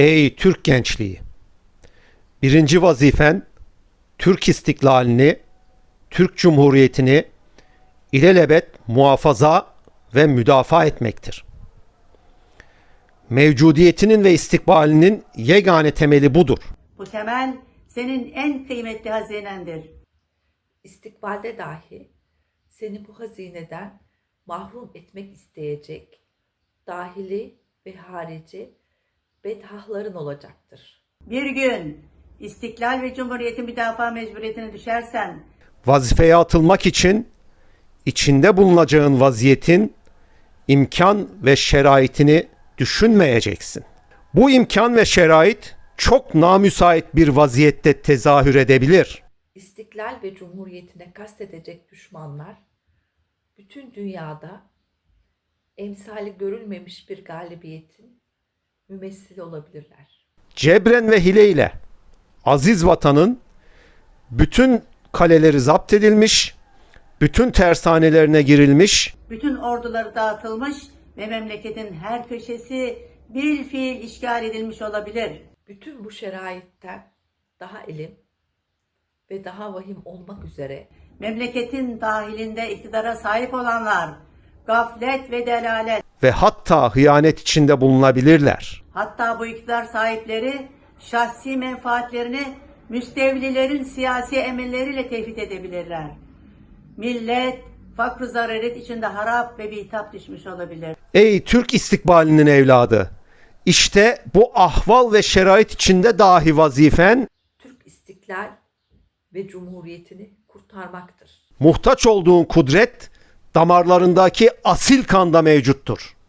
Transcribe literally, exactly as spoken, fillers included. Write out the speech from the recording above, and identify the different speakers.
Speaker 1: Ey Türk gençliği! Birinci vazifen Türk istiklalini, Türk Cumhuriyeti'ni ilelebet muhafaza ve müdafaa etmektir. Mevcudiyetinin ve istikbalinin yegane temeli budur.
Speaker 2: Bu temel senin en kıymetli hazinendir.
Speaker 3: İstikbalde dahi seni bu hazineden mahrum etmek isteyecek dahili ve harici bedhahların olacaktır.
Speaker 2: Bir gün istiklal ve cumhuriyetin müdafaa mecburiyetine düşersen,
Speaker 1: Vazifeye atılmak için içinde bulunacağın vaziyetin imkan ve şeraitini düşünmeyeceksin. Bu imkan ve şerait çok namüsait bir vaziyette tezahür edebilir.
Speaker 3: İstiklal ve cumhuriyetine kastedecek düşmanlar bütün dünyada emsali görülmemiş bir galibiyetin mümessili olabilirler.
Speaker 1: Cebren ve hileyle aziz vatanın bütün kaleleri zapt edilmiş, bütün tersanelerine girilmiş,
Speaker 2: bütün orduları dağıtılmış ve memleketin her köşesi bil fiil işgal edilmiş olabilir.
Speaker 3: Bütün bu şeraitten daha elim ve daha vahim olmak üzere
Speaker 2: Memleketin dahilinde iktidara sahip olanlar gaflet ve delalet,
Speaker 1: ve hatta hıyanet içinde bulunabilirler.
Speaker 2: hatta bu iktidar sahipleri şahsi menfaatlerini müstevlilerin siyasi emelleriyle tevhid edebilirler. Millet fakr-ı zaruret içinde harap ve bitap düşmüş olabilir.
Speaker 1: Ey Türk istikbalinin evladı! İşte bu ahval ve şerait içinde dahi vazifen
Speaker 3: Türk istiklal ve cumhuriyetini kurtarmaktır.
Speaker 1: muhtaç olduğun kudret damarlarındaki asil kanda mevcuttur.